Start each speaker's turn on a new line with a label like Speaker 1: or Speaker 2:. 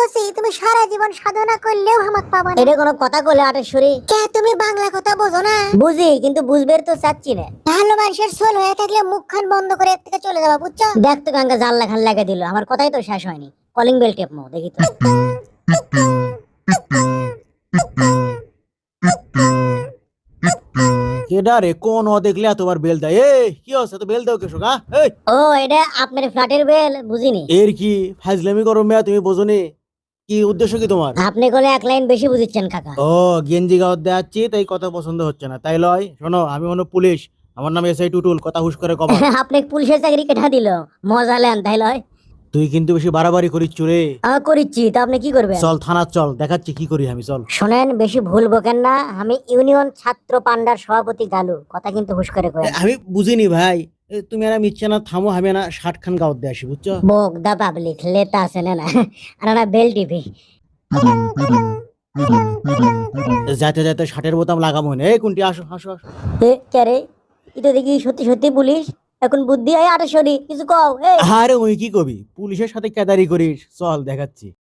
Speaker 1: কইছি তুমি সারা জীবন সাধনা করলেও হামাক পাবা না। এটা কোনো কথা কইলে আটেশ্বরী? কে তুমি বাংলা কথা বোঝো না? বুঝি, কিন্তু বুঝবের তো চাচ্ছি না। ভালো মানুষের সোল হয়ে থাকলে মুখখান বন্ধ করে এর থেকে চলে যাবা, বুঝছো? দেখ তো গাঙ্গা জাল লেখান লাগা দিল, আমার কথাই তো শেষ হয়নি। কলিং বেল টেপমো দেখি তো।
Speaker 2: কেডা রে, কোন ও দেখলে তোমার বেল দেয়? এই কি হচ্ছে, তো বেল দাও কেসো গা? এই
Speaker 1: ও, এটা আপনার ফ্ল্যাটের বেল? বুঝিনি।
Speaker 2: এর কি ফাজলামি করো মেয়া, তুমি বোঝনি? কি উদ্দেশ্য কি তোমার?
Speaker 1: আপনি কোলে এক লাইন বেশি বুঝিচ্ছেন কাকা।
Speaker 2: ও, গেঞ্জি গাওয়ার দেখাচ্ছি তাই কথা পছন্দ হচ্ছে না, তাই লয়? শোনো, আমি হলো পুলিশ, আমার নাম এসআই টুটুল, কথা হুশ করে কবা।
Speaker 1: আপনি পুলিশের চাকরি কেটা দিল? মজা লেন তাই লয়?
Speaker 2: তুই কিন্তু বেশি বাড়াবাড়ি করিস রে।
Speaker 1: করিচ্ছি, তা আপনি কি করবেন?
Speaker 2: চল থানা চল, দেখাচ্ছি কি করি আমি, চল।
Speaker 1: শোনেন, বেশি ভুল বকেন না। আমি ইউনিয়ন ছাত্র পান্ডার সভাপতি গালু, কথা কিন্তু হুশ করে কয়েন।
Speaker 2: আমি বুঝিনি ভাই। তুমি আর আমি ইচ্ছে না থামো, আমি না 60 খান গাওয়ার দিয়ে আসি, বুঝছো?
Speaker 1: বোক দা পাবলিক লেতা আছে না না আর না বেল টিভি।
Speaker 2: যাতে যাতে 60-এর বোতাম লাগাবো না। এই কুন্টি, আসো আসো আসো।
Speaker 1: কে রে? এটা দেখি সত্যি সত্যি পুলিশ। এখন বুদ্ধি হয় আটেশ্বরী, কিছু কও।
Speaker 2: আরে ওই কি কবি, পুলিশের সাথে কেদারি করিস, চল দেখাচ্ছি।